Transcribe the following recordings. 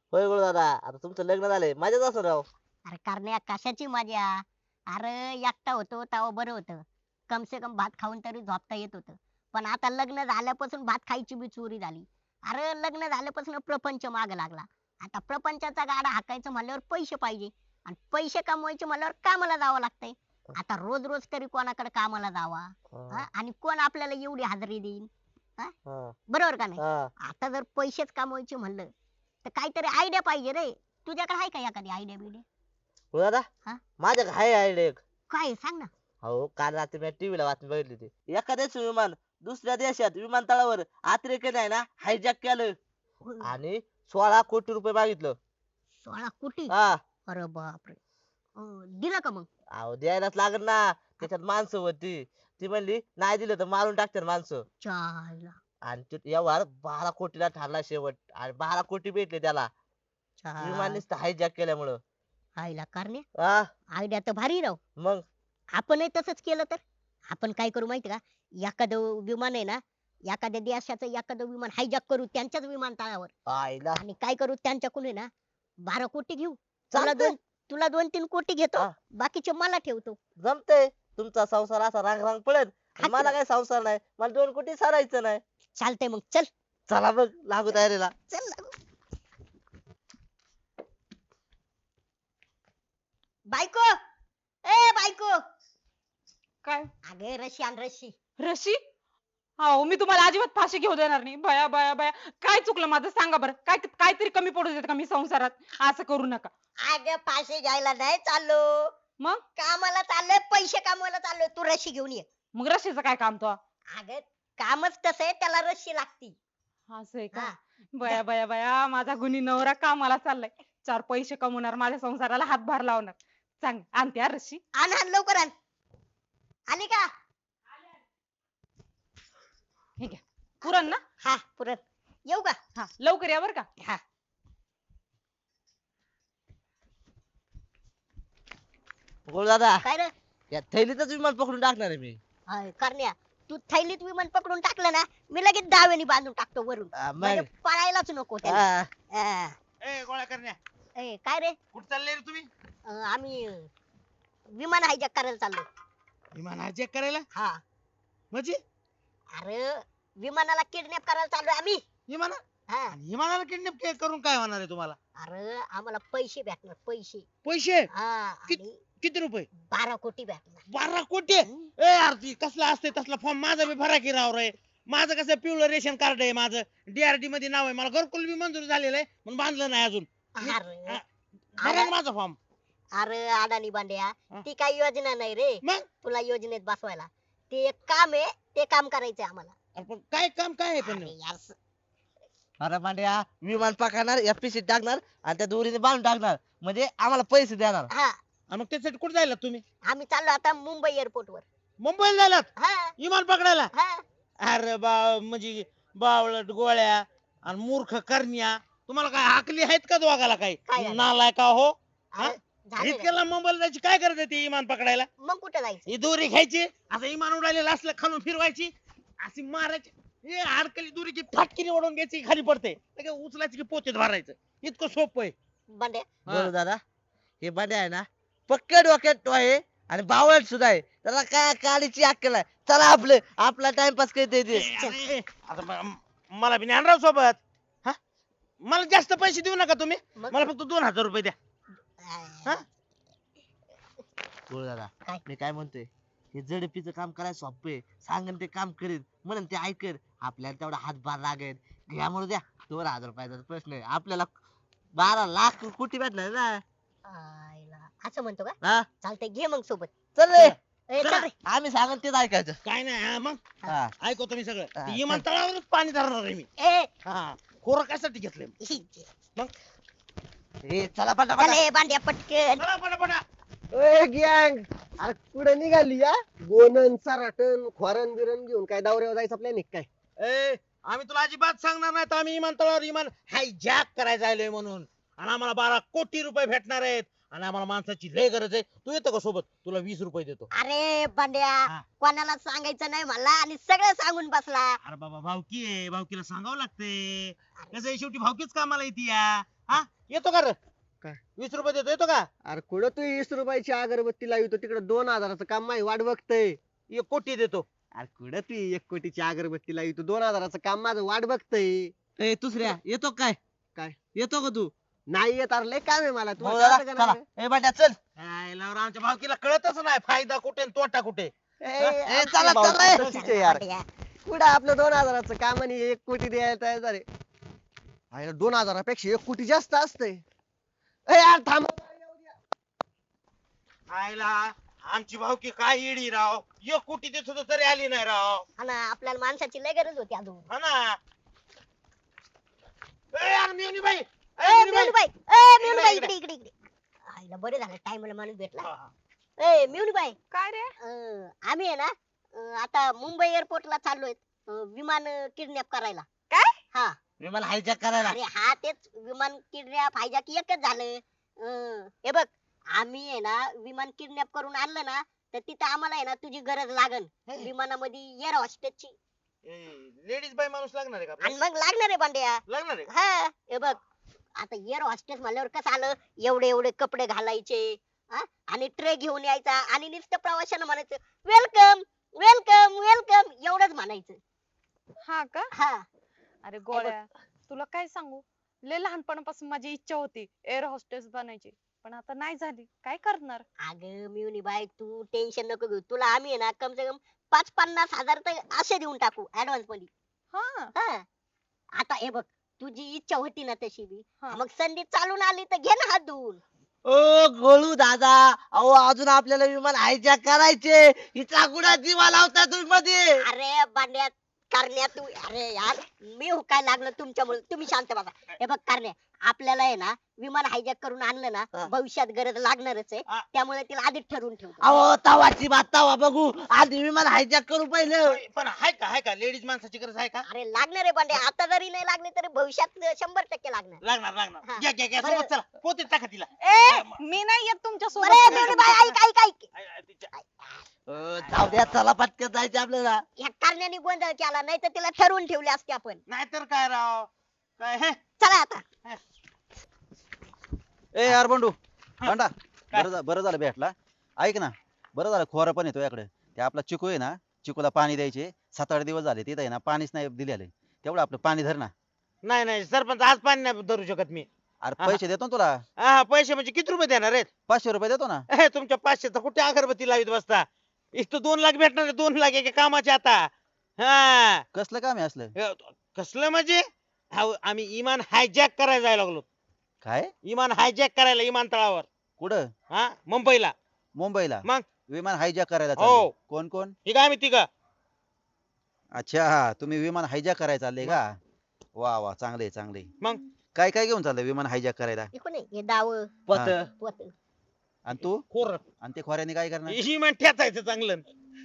होय गुरु दादा, आता तुमचं लग्न झालंय मजाच असं राव. अरे करण्या कशाची मजा. अरे एकटा होतो तेव्हा बरं होतं. कम से कम भात खाऊन तरी झोपता येत होतं. पण आता लग्न झाल्यापासून भात खायची बी चोरी झाली. अरे लग्न झाल्यापासून प्रपंच माग लागला. आता प्रपंचाचा गाडा हाकायचं म्हणल्यावर पैसे पाहिजे. आणि पैसे कमवायचे म्हणल्यावर कामाला जावं लागतंय. आता रोज रोज तरी कोणाकडे कामाला जावा. हा, हा? आणि कोण आपल्याला एवढी हाजरी देईन. हा? हा, बरोबर का नाही. हा. आता जर पैसेच कमवायचे म्हणलं तर काहीतरी आयडिया पाहिजे रे. तुझ्याकडे आहे का एखादी आयडिया बिडिया. गुरु दादा, हा? माझ्या हाय आयडिया एक. काय सांग ना. हो, काल रात्री मी टीव्हीला बातमी बघितली होती. एखाद्याच विमान दुसऱ्या देशात विमानतळावर अतिरेक्याने आहे ना हायजॅक केलं आणि 16 कोटी रुपये मागितलं. 16 कोटी. हा. अरे बापरे. दिलं का मग. अहो द्यायलाच लागल ना. त्याच्यात माणसं होती. ती म्हणली नाही दिलं तर मारून टाकतात माणसं. चायला. आणि तो व्यवहार 12 कोटीला ठरला शेवट. आणि 12 कोटी भेटले त्याला विमान चाय. नुसतं हायजॅक केल्यामुळं. आईला करणे. हा. आयडिया तर भारी राव. मग. आपणही तसंच केलं तर. आपण काय करू माहिती का. एखादं विमान आहे ना. एखाद्या देशाचं एखादं विमान हायजॅक करू त्यांच्याच विमानतळावर. आईला. आणि काय करू त्यांच्याकडून आहे ना 12 कोटी घेऊ. तुला चालतंय. दोन तुला 2-3 कोटी घेतो. हा, बाकीचे मला ठेवतो. जमतंय. तुमचा संसार असा रांग रांग पळेल. हा की मला नाही? काय संसार नाही. मला 2 कोटी सारायचं नाही. चालतंय मग चल. चला मग लागू तयारीला. चल. बायको. ए बायको. काय अगे रशी आण रशी. रशी? हो मी तुम्हाला अजिबात फाशी घेऊ देणार नाही. बया बया बया, काय चुकलं माझं सांगा बरं. काय काहीतरी कमी पडू देत का मी संसारात. असं करू नका. अगं फाशी घ्यायला नाही चाललो. मग कामाला चाललोय पैसे कमवायला चाललोय. तू रशी घेऊन ये. मग रशीचं काय काम तो? अगं कामच तसं आहे त्याला रशी लागती. असं आहे का? हा. बया बया बया, माझा गुणी नवरा कामाला चाललाय. 4 पैसे कमवणार, माझ्या संसाराला हातभार लावणार. सांग आणते हा रशी. आण आण लवकर आण. आली का. हे घ्या. पुरण ना? हा पुरण. येऊ का. हा लवकर या बर का. हा. गुरु दादा, काय रे. या थैलीतच विमान पकडून टाकणार आहे मी. करण्या. तू थैलीत विमान पकडून टाकलं ना. मी लगेच दावेनी बांधून टाकतो वरून. मग. म्हणजे पळायलाच नको त्याला. हा. हा. ए गोळ्या करण्या, काय रे. कुठं चालले रे तुम्ही? आम्ही विमान हायजॅक करायला चाललो. विमान हायजॅक करायला? हा. म्हणजे अरे विमानाला किडनॅप करायला चाललोय आम्ही. विमान हा. विमानाला किडनॅप करून काय होणार आहे तुम्हाला? अरे आम्हाला पैसे भेटणार पैसे. पैसे हा. कित- आणि किती रुपये? 12 कोटी भेटणार. 12 कोटी? हम्म. ए आरती कसला असते तसला फॉर्म माझा बी भरा की राव रे. माझं कसं पिवळं रेशन कार्ड आहे माझं. डीआरडी मध्ये नाव आहे. मला घरकुल बी मंजूर झालेलं आहे पण बांधलं नाही अजून. अरे भरा ना माझा फॉर्म. अरे अडाणी बांड्या. हा. ती काही योजना नाही रे. मग तुला योजनेत बसवायला. ते एक काम आहे. ते काम करायचंय आम्हाला. अरे पण काय काम काय आहे पण? अरे यार अरे मांड्या, विमान पकडणार एफपीसी टाकणार आणि त्या दोरीने बांधून टाकणार म्हणजे आम्हाला पैसे देणार. हा. आणि मग त्यासाठी कुठे जायला तुम्ही? आम्ही चाललो आता मुंबई एअरपोर्ट वर. मुंबईला जायलात हा. विमान पकडायला? हा. अरे म्हणजे बावळट गोळ्या आणि मूर्ख करण्या, तुम्हाला काय हाकली आहेत का दोघाला काय काही झालं? नालाय का हो? हा? अरे, झालं रे. इतक्याला मुंबईला जायची काय गरज आहे ती विमान पकडायला? मग कुठे जायचं. ही दोरी घ्यायची, असं विमान उडालेलं असलं खालून फिरवायची, अशी मारायची, हे अडकली दोरीची फाटकीने ओढून घ्यायची खाली पडते, लगेच उचलायची की पोतीत भरायचं. इतकं सोपं आहे. बांड्या. हा. गुरु दादा, हे बांड्या आहे ना पक्के डोक्यात आहे आणि बावळट सुद्धा आहे. त्याला काय काळीची अक्कल आहे. चला आपला टाइमपास करते ते. अरे, आता मला बी ज्ञानराव सोबत. हा, मला जास्त पैसे देऊ नका तुम्ही. मग? मला फक्त 2000 रुपये द्या. हा? गुरु दादा, काय? मी काय म्हणतोय, हे जडपीचं काम करायला सोपं आहे. सांगन ते काम करेल म्हणून ते ऐकर. आपल्याला तेवढा हातभार लागेल. घ्यामुळे द्या 2000 रुपयाचा प्रश्न आहे. आपल्याला 12 लाख कोटी भेटणार ना. आईला. असं म्हणतो का. हा, चालतंय घे मग सोबत. चल रे. ए, चल रे. आम्ही सांगन तेच ऐकायचं. काय नाही हा, मग हा. ऐकतो तुम्ही सगळं. हा, ते विमानतळावरच पाणी धरणार आहे मी. ए. हा, खोरं कशासाठी घेतलंय? ए, चला चल पटापट. ए, बांड्या पटकन. चला पटापटा. ए गँग, अरे कुठे निघाली या गोनन सराटन खोरन बिरन घेऊन काय दौऱ्यावर जायचं प्लॅन आहे काय? ए, आम्ही तुला अजिबात सांगणार नाही तर आम्ही विमानतळावर विमान हायजॅक करायला आलोय म्हणून. आणि आम्हाला 12 कोटी रुपये भेटणार आहेत आणि आम्हाला माणसाची लय गरज आहे. तू येतो का सोबत? तुला 20 रुपये देतो. अरे बांड्या. हा. कोणाला सांगायचं नाही मला आणि सगळं सांगून बसला. अरे बाबा भावकी आहे, भावकीला सांगावं लागते. कसं आहे शेवटी भावकीच कामाला येते या. हा येतो का रे काय? 20 रुपये देतो येतो का अरे कुठं तू 20 रुपयाची अगरबत्ती लावितो तिकडे 2,000चं काम माझी वाट बघतय. 1 कोटी देतो अरे कुठं तू 1 कोटीची अगरबत्ती लावितो 2,000चं काम माझं वाट बघतय. ए दुसऱ्या येतो काय? काय? येतो का तू? नाही येत अरे लय काम आहे मला हो, तुला कळतं का चला नाही? ए बाट्या चल. आमच्या भावकीला कळतच नाही फायदा कुठे आणि तोटा कुठे ए, चला, भाऊ, चला, ए. तशीच आहे यार. कुठं आपलं 2,000चं काम आणि 1 कोटी द्यायला तयार झाले. 2,000पेक्षा 1 कोटी जास्त असतंय. ए यार थांब. आयला आमची भावकी काय येडी राव 1 कोटी देत होतो तरी आली नाही राव हा ना आपल्याला माणसाची लय गरज होती अजून. हा ना ए यार मेवणी बाई मिवणीबाई इकडे, इकडे इकडे इकडे आईला बरे झालं टाइमला माणूस भेटला. हा, हा. ए मिवणीबाई काय रे आम्ही आहे ना आता मुंबई एअरपोर्टला चाललोय विमान किडनॅप करायला. काय? हा विमान हायजॅक करायला. अरे हा तेच विमान किडनॅप हायजॅक एकच झालं. हे बघ आम्ही आहे ना विमान किडनॅप करून आणलं ना तर तिथं आम्हाला आहे ना तुझी गरज लागन विमानामध्ये एअर हॉस्टेसची. लेडीज बाई माणूस लागणार आहे का आणि आपल्याला? मग लागणार आहे बांड्या. लागणार आहे का? हा हे बघ आता एअर हॉस्टेस म्हणल्यावर कसं आलं एवढे एवढे कपडे घालायचे हा? आणि ट्रे घेऊन यायचा आणि नुसतं प्रवाशांना म्हणायचं वेलकम वेलकम वेलकम एवढंच म्हणायचं. हा का हा अरे गोळ्या तुला काय सांगू लय लहानपणापासून माझी इच्छा होती एअर होस्टेस बनायची पण आता नाही झाली काय करणार. अगं मिवनी बाई तू टेन्शन नको घेऊ तुला आम्ही आहे ना कम से कम 5-50 हजार तर असे देऊन टाकू ऍडव्हान्स मध्ये. हा हा आता हे बघ तुझी इच्छा होती ना तशी बी हा. मग संधी चालून आली तर घे ना हात धुवून. ओ गोळू दादा अहो अजून आपल्याला विमान हायजॅक करायचे. हिचा गुडा जीवा लावता तुम्ही मध्ये. अरे बांड्या करण्या तू अरे यार मी हुकायला लागलो तुमच्यामुळे तुम्ही शांत बसा. हे बघ करण्या आपल्याला आहे ना विमान हायजॅक करून आणलं ना हा. भविष्यात गरज लागणारच आहे हा. त्यामुळे तिला आधीच ठरवून ठेवतो. अहो तवाची बात तवा बघू आधी विमान हायजॅक करू पहिलं. पण आहे का लेडीज माणसाची गरज आहे का अरे लागणार आहे बांड्या आता जरी नाही लागले तरी भविष्यात 100% लागणार. लागणार हा. लागणार घ्या बरं. सोबत चला पोतीत टाका तिला ए मी नाही येत तुमच्या बरे सोबत. मेवणी बाई ऐक ऐक ऐक तिच्या- जाऊ द्या चला पटकन जायचं आपल्याला. या कारण्याने गोंधळ केला नाही तर तिला ठरवून ठेवले असते आपण. नाहीतर काय राव काय हे चला आता ए यार बंडू बंडा काय? बरं झालं भेटला. ऐक ना बरं झालं खोरा पण येतो याकडे ते आपला चिकू आहे ना चिकूला पाणी द्यायचे 7-8 दिवस झाले तिथं आहे ना पाणीच नाही दिलेलं तेवढं आपलं पाणी धर ना. नाही सरपंच आज पाणी नाही धरू शकत मी अरे हा. पैसे देतो ना तुला हा पैसे म्हणजे किती रुपये देणार आहेत 500 रुपये देतो ना. तुमच्या 500चा कुठे अगरबत्ती लावित बसता इथं 2 लाख भेटणार आहे, 2 लाख एका कामाचे आता हा कसलं काम आहे असलं. कसलं म्हणजे आम्ही इमान हायजॅक करायला जायला लागलो काय इमान हायजॅक करायला विमानतळावर कुठं हा मुंबईला मुंबईला मग? विमान हायजॅक करायला हो. चालले. कोण कोण ठीक आहे आम्ही तिघं अच्छा तुम्ही विमान हायजॅक करायला चालले का. वा वा चांगले चांगले. मग? काय काय घेऊन चाललंय विमान हायजॅक करायला. इकडून ये. हे दाव पत हा. पोत आणि तू खोर आणि ते खोऱ्याने काय करणार. इमान ठेचायचं चांगलं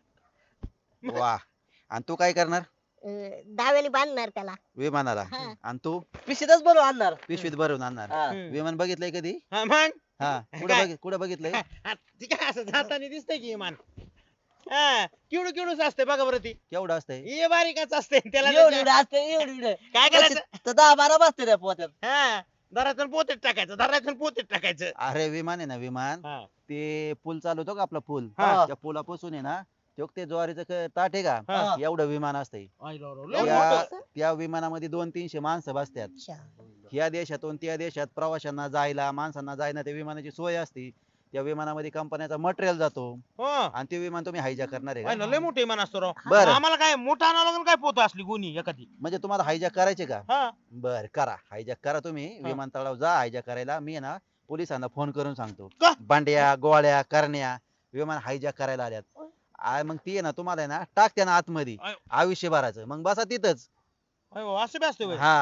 वा आणि तू काय करणार दाव्याने बांधणार त्याला. विमानाला. हा. आणि तू पिशीतच बनवून आणणार. पिशवीत भरून आणणार. हा. हम्म. विमान बघितलंय कधी. हा, मग हा काय? कुठं बघितलंय. ठीक आहे असं जाताना दिसतंय की इमान हा किवडू किवडूच असते बघा बरं ती केवढं असतंय. हे बारीकच असते त्याला एवढी असते एवढी काय करायचं तर 10-12 बसते त्या पोत्यात. हा दरातून पोतीत टाकायचं दरातून पोतीत टाकायचं अरे विमान आहे ना विमान हा. ते पूल चालवतो का आपला पूल हा. त्या पुलापासून आहे ना ते ज्वारीचं ताट आहे का हा. एवढं विमान असतंय. लय मोठं. त्या विमानामध्ये 200-300 माणसं बसतात. अच्छा. ह्या देशातून त्या देशात प्रवाशांना जायला माणसांना जायला त्या विमानाची सोय असते. त्या विमानामध्ये कंपन्याचा मटेरियल जातो हो आणि ते विमान तुम्ही हायजॅक करणार आहे पाहिलं, का. लय मोठं इमान असतो राव बरं. आम्हाला काय मोठा आणावं लागेल काय पोत असली गुन्ही एखादी म्हणजे तुम्हाला हायजॅक करायचे का. हा बर करा हायजॅक करा तुम्ही हा. विमानतळावर जा हायजॅक करायला मी आहे ना पोलिसांना फोन करून सांगतो. का? बांड्या गोळ्या करण्या विमान हायजॅक करायला आल्यात. मग ती आहे ना तुम्हाला आहे ना टाकते ना आतमध्ये आय. आयुष्यभराचं मग बसा तिथंच. अयो, असं बी असतं होय. हा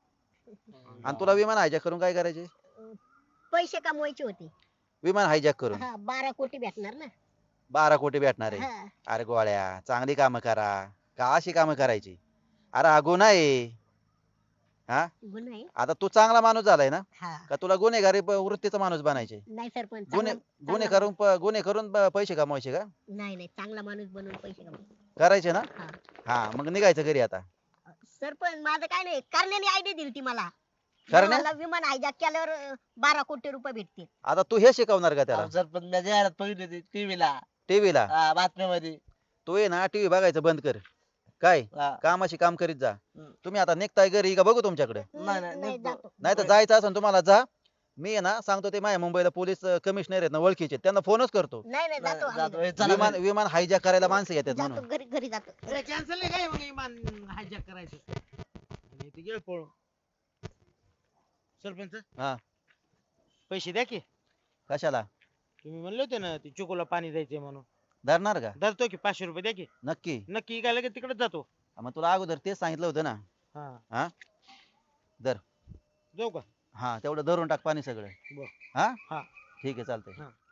आणि तुला विमान हायजॅक करून काय करायचे. पैसे कमवायचे होते. विमान हायजॅक करून 12 कोटी भेटणार ना. 12 कोटी भेटणार आहे. हा. अरे गोळ्या चांगली कामं करा का अशी कामं करायची. अरे हा गुन्हा आहे. हा गुन्हा आहे. आता तू चांगला माणूस झालाय ना हा का तुला गुन्हेगारी वृत्तीचा माणूस बनायचे. नाही सरपंच गुन्हे गुन्हे चांगला- करून गुन्हे करून पैसे कमवायचे का नाही नाही चांगला माणूस बनवून पैसे कमवायचे. करायचे ना. हा. हा मग निघायचं घरी आता. सरपंच माझं काय नाही करण्याने आयडिया दिली ती मला. करण्या मला विमान हायजॅक केल्यावर 12 कोटी रुपये भेटतील. आता तू हे शिकवणार का त्याला अहो, सरपंच मी जाहिरात बघितली होती टीव्हीला टीव्हीला बातम्यामध्ये. तू ये ना टीव्ही बघायचं बंद कर काय हा. कामाशी काम करीत जा हम्म. तुम्ही आता निघताय घरी का बघू तुमच्याकडे नाही, नाही, नाही, निघतो. जातो. नाही तर जायचं असेल तुम्हाला जा मी आहे ना सांगतो ते माझ्या मुंबईला पोलीस कमिशनर आहेत ना ओळखीचे त्यांना फोनच करतो नाही नाही जातो जातो. आम्ही. ए, चला विमान घरी. विमान हायजॅक करायला माणसं येतात जातो म्हणून घरी जातो. कॅन्सल नाही काय मग इमान हायजॅक करायचं आणि ते गेलं पळून. सरपंच हा पैसे द्या की कशाला तुम्ही म्हणले होते ना ते चिकूला पाणी द्यायचे म्हणून. धरणार का धरतो की 500 रुपये द्या की. नक्की नक्की काय लगेच तिकडेच जातो. मग तुला अगोदर तेच सांगितलं होतं ना हा हा धर जाऊ का. हा तेवढं धरून टाक पाणी सगळं बर. हा हा. ठीक आहे चालतंय हा.